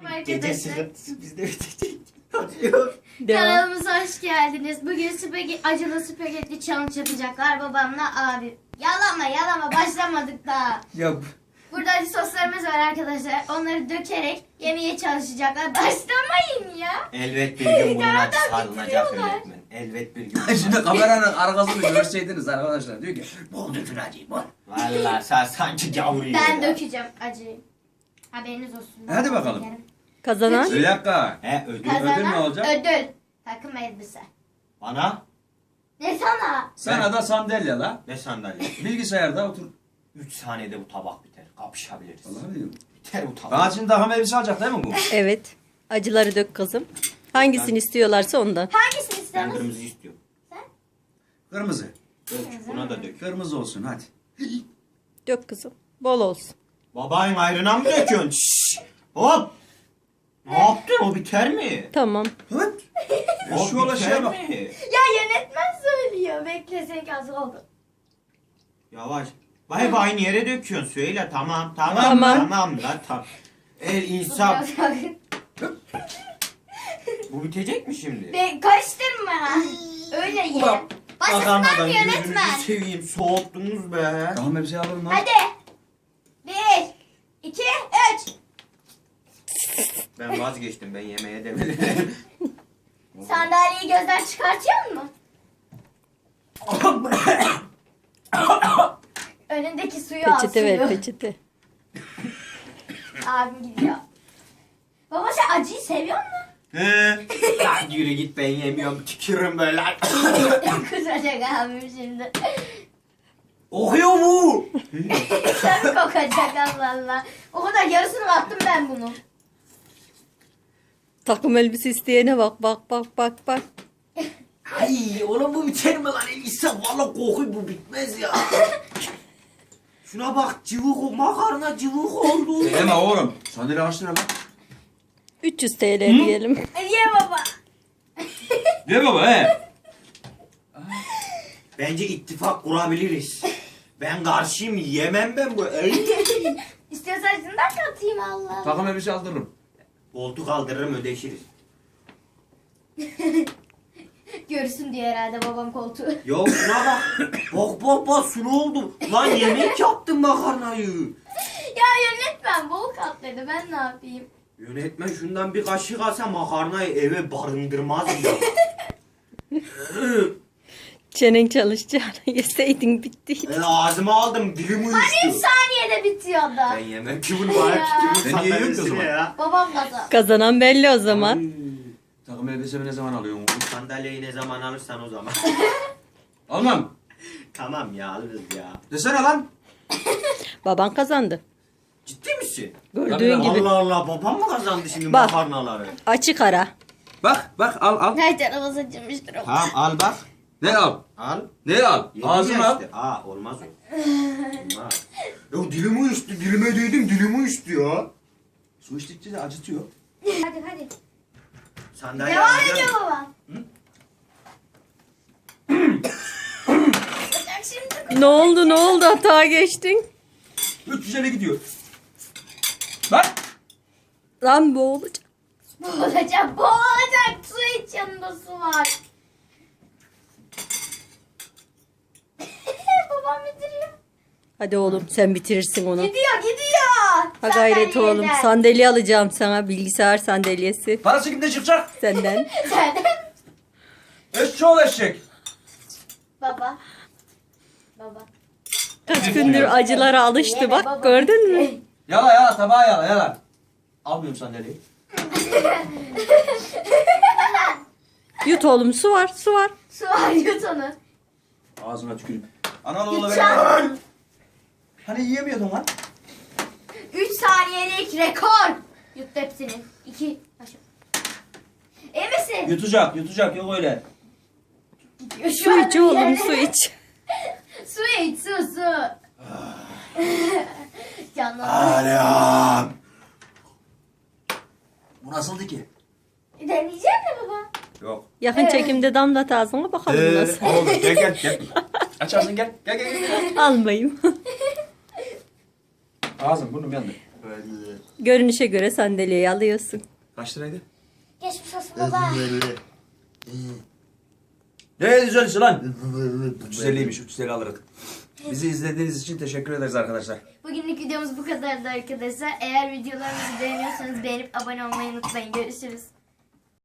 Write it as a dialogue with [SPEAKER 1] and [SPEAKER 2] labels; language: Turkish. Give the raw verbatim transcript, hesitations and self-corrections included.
[SPEAKER 1] Gece
[SPEAKER 2] Arkadaşlar
[SPEAKER 1] sırası bizde bitecek. Acıyor.
[SPEAKER 3] Devam.
[SPEAKER 2] kanalımıza hoş geldiniz. Bugün spagetti, acılı spagetti challenge yapacaklar babamla abi. Yalama yalama başlamadık daha.
[SPEAKER 1] Ya
[SPEAKER 2] Burada acı soslarımız var arkadaşlar. Onları dökerek yemeye çalışacaklar. Başlamayın ya.
[SPEAKER 1] elbet bir gün bunun
[SPEAKER 2] Karadan
[SPEAKER 1] acısı alınacak
[SPEAKER 2] bitiriyorlar.
[SPEAKER 1] öğretmen. Elbet bir gün.
[SPEAKER 4] Şimdi kameranın arkasını görseydiniz arkadaşlar diyor ki bol dökün acıyı bol.
[SPEAKER 1] Valla sen sanki gavur yiyor
[SPEAKER 2] Ben
[SPEAKER 1] ya.
[SPEAKER 2] dökeceğim acıyı. Haberiniz olsun.
[SPEAKER 4] Hadi bakalım.
[SPEAKER 2] Şekerim.
[SPEAKER 3] Kazanan
[SPEAKER 4] Bir dakika.
[SPEAKER 1] He ödül.
[SPEAKER 2] Kazanan
[SPEAKER 4] Ödül ne olacak?
[SPEAKER 2] Ödül. Takım elbise.
[SPEAKER 1] Bana
[SPEAKER 2] Ne sana?
[SPEAKER 4] Sana da sandalye la.
[SPEAKER 1] ne sandalye?
[SPEAKER 4] Bilgisayarda otur.
[SPEAKER 1] üç saniyede bu tabak biter. Kapışabiliriz.
[SPEAKER 4] Vallahi diyorum.
[SPEAKER 1] Biter bu tabak.
[SPEAKER 4] Bana şimdi takım elbise alacak değil mi bu?
[SPEAKER 3] evet. Acıları dök kızım. Hangisini istiyorlarsa ondan.
[SPEAKER 2] Hangisini
[SPEAKER 1] Ben
[SPEAKER 2] istiyorsunuz?
[SPEAKER 1] kırmızı istiyorum.
[SPEAKER 4] Kırmızı.
[SPEAKER 1] Dök. Buna da dök.
[SPEAKER 4] Kırmızı olsun hadi.
[SPEAKER 3] Dök kızım. Bol olsun.
[SPEAKER 1] Babayın ayrına mı döküyorsun? Şşş. Hop. Ne yaptın? O biter mi?
[SPEAKER 3] Tamam.
[SPEAKER 4] Hıt.
[SPEAKER 1] O
[SPEAKER 4] Şu ola
[SPEAKER 1] biter
[SPEAKER 4] şeye bak.
[SPEAKER 1] mi?
[SPEAKER 2] Ya yönetmen söylüyor. Bekle az oldu.
[SPEAKER 1] Yavaş. Bay bay aynı yere döküyorsun. Söyle tamam tamam
[SPEAKER 3] Tamam.
[SPEAKER 1] tamam la tamam. El insan. Bu bitecek mi şimdi?
[SPEAKER 2] Be karıştırma. Öyle ye.
[SPEAKER 1] Ulan,
[SPEAKER 2] Başlasınlar mı
[SPEAKER 1] Bakanmadan
[SPEAKER 2] yönetmen?
[SPEAKER 1] gözünüzü seveyim. Soğuttunuz be.
[SPEAKER 4] Takım elbise alalım lan.
[SPEAKER 2] Hadi. Bir, iki, üç.
[SPEAKER 1] Ben vazgeçtim. Ben yemeğe de bilirim.
[SPEAKER 2] Sandalyeyi gözden çıkartıyor musun? Önündeki suyu al
[SPEAKER 3] Peçete ver
[SPEAKER 2] suyu.
[SPEAKER 3] peçete.
[SPEAKER 2] Abim gidiyor. Baba sen acıyı seviyor musun?
[SPEAKER 1] He. Lan yürü git ben yemiyorum. Tükürüm böyle.
[SPEAKER 2] Kusacak abim şimdi.
[SPEAKER 1] Okuyor mu?
[SPEAKER 2] Sarı kokacak Allah Allah. O kadar yarısını attım ben bunu.
[SPEAKER 3] Takım elbise isteyene bak bak bak bak bak.
[SPEAKER 1] Ay oğlum bu biter mi lan? İnsan valla kokuyor bu bitmez ya. Şuna bak cıvık o makarna cıvık oldu.
[SPEAKER 4] Deme oğlum. Sandalye kaç lira lan?
[SPEAKER 3] üç yüz T L diyelim.
[SPEAKER 2] Ye baba.
[SPEAKER 4] Ne baba he?
[SPEAKER 1] Bence ittifak kurabiliriz. Ben karşıyım yemem ben bu. Ey.
[SPEAKER 2] İstiyorsan şundan katayım Allah.
[SPEAKER 4] Takım elbise aldırırım.
[SPEAKER 1] Koltuk kaldırırım ödeşiriz.
[SPEAKER 2] Görsün diye herhalde babam koltuğu.
[SPEAKER 1] Ya şuna bak. Bak bak bak su ne oldu? Lan yemek yaptım makarnayı.
[SPEAKER 2] Ya yönetmen bol katladı ben ne yapayım?
[SPEAKER 1] Yönetmen şundan bir kaşık alsa makarnayı eve barındırmaz ya.
[SPEAKER 3] Çenen çalışacağını yeseydin bitti.
[SPEAKER 1] Ben ağzıma aldım dilim uyuştu.
[SPEAKER 2] Hani üç saniyede bitiyordu.
[SPEAKER 1] Ben yemem ki bunu bana tükürüm
[SPEAKER 4] Ben yiyorum ki o
[SPEAKER 1] sandalyesine
[SPEAKER 4] zaman.
[SPEAKER 1] ya.
[SPEAKER 2] Babam kazan.
[SPEAKER 3] Kazanan belli o zaman.
[SPEAKER 4] Takım elbisemi ne zaman alıyorsun oğlum?
[SPEAKER 1] Sandalyeyi ne zaman alırsan o zaman.
[SPEAKER 4] Almam.
[SPEAKER 1] Tamam ya alırız ya.
[SPEAKER 4] Desene lan.
[SPEAKER 3] Baban kazandı.
[SPEAKER 1] Ciddi misin?
[SPEAKER 3] Gördüğün gibi.
[SPEAKER 1] Allah Allah babam mı kazandı şimdi
[SPEAKER 3] Bak.
[SPEAKER 1] makarnaları?
[SPEAKER 3] Açık ara.
[SPEAKER 4] Bak bak al al.
[SPEAKER 2] Her tarafı saçılmıştır o.
[SPEAKER 1] Tamam al bak.
[SPEAKER 4] Ne al?
[SPEAKER 1] Al.
[SPEAKER 4] Ne al?
[SPEAKER 1] Yedin
[SPEAKER 4] Ağzına
[SPEAKER 1] ya
[SPEAKER 4] al.
[SPEAKER 1] işte. Aa olmaz o. Olmaz. Ya dilimi uyuştu. Dilime değdim dilimi uyuştu ya.
[SPEAKER 4] Su içtikçe de acıtıyor.
[SPEAKER 2] Hadi hadi.
[SPEAKER 1] Sandalye
[SPEAKER 2] Devam
[SPEAKER 1] alacağım.
[SPEAKER 2] ediyor baba. Bak şimdi.
[SPEAKER 3] Ne oldu ne oldu hata geçtin.
[SPEAKER 4] üç yüz elli gidiyor. Bak.
[SPEAKER 3] Lan boğulacak.
[SPEAKER 2] Boğulacak boğulacak. Su iç yanında su var. Babam bitiriyor.
[SPEAKER 3] Hadi oğlum sen bitirirsin onu.
[SPEAKER 2] Gidiyor gidiyor.
[SPEAKER 3] Ha gayret
[SPEAKER 2] Sandalyeden.
[SPEAKER 3] oğlum. Sandalye alacağım sana. Bilgisayar sandalyesi.
[SPEAKER 4] Parası kimde çıkacak?
[SPEAKER 3] Senden.
[SPEAKER 2] Sen.
[SPEAKER 4] Eşçoğlu eşek.
[SPEAKER 2] Baba. Baba.
[SPEAKER 3] Kaç gündür acılara alıştı
[SPEAKER 2] Yeme
[SPEAKER 3] bak
[SPEAKER 2] baba,
[SPEAKER 3] gördün mü?
[SPEAKER 2] bitti.
[SPEAKER 4] Yala yala tabağa yala yala. Almıyorum sandalyeyi.
[SPEAKER 3] Yut oğlum su var su var.
[SPEAKER 2] Su var yut onu.
[SPEAKER 4] Ağzına tüküreyim. Analı oğlu
[SPEAKER 2] Lütfen.
[SPEAKER 4] ver. Hani yiyemiyordun lan.
[SPEAKER 2] üç saniyelik rekor. Yut hepsini. iki. Başla. İyi misin?
[SPEAKER 4] Yutacak yutacak yok öyle.
[SPEAKER 2] Gidiyor şu
[SPEAKER 3] Su
[SPEAKER 2] anda
[SPEAKER 3] iç oğlum
[SPEAKER 2] yani.
[SPEAKER 3] su iç.
[SPEAKER 2] Su iç su su. Canım.
[SPEAKER 1] Alem.
[SPEAKER 4] Bu nasıldı ki?
[SPEAKER 2] Deneyecek mi baba?
[SPEAKER 4] Yok.
[SPEAKER 3] Yakın
[SPEAKER 2] Evet.
[SPEAKER 3] çekimde damlat ağzına bakalım nasıl.
[SPEAKER 4] Oğlum gel gel gel. Aç ağzını gel. Gel gel gel. gel.
[SPEAKER 3] Almayayım.
[SPEAKER 4] Ağzım burnum yandı.
[SPEAKER 3] Görünüşe göre sandalyeyi alıyorsun.
[SPEAKER 4] Kaç liraydı?
[SPEAKER 2] Geçmiş olsun baba.
[SPEAKER 4] Ne güzel lan? üç yüz elliymiş, üç yüz elli alırız. Bizi izlediğiniz için teşekkür ederiz arkadaşlar.
[SPEAKER 2] Bugünlük videomuz bu kadardı arkadaşlar. Eğer videolarımızı beğeniyorsanız beğenip abone olmayı unutmayın. Görüşürüz.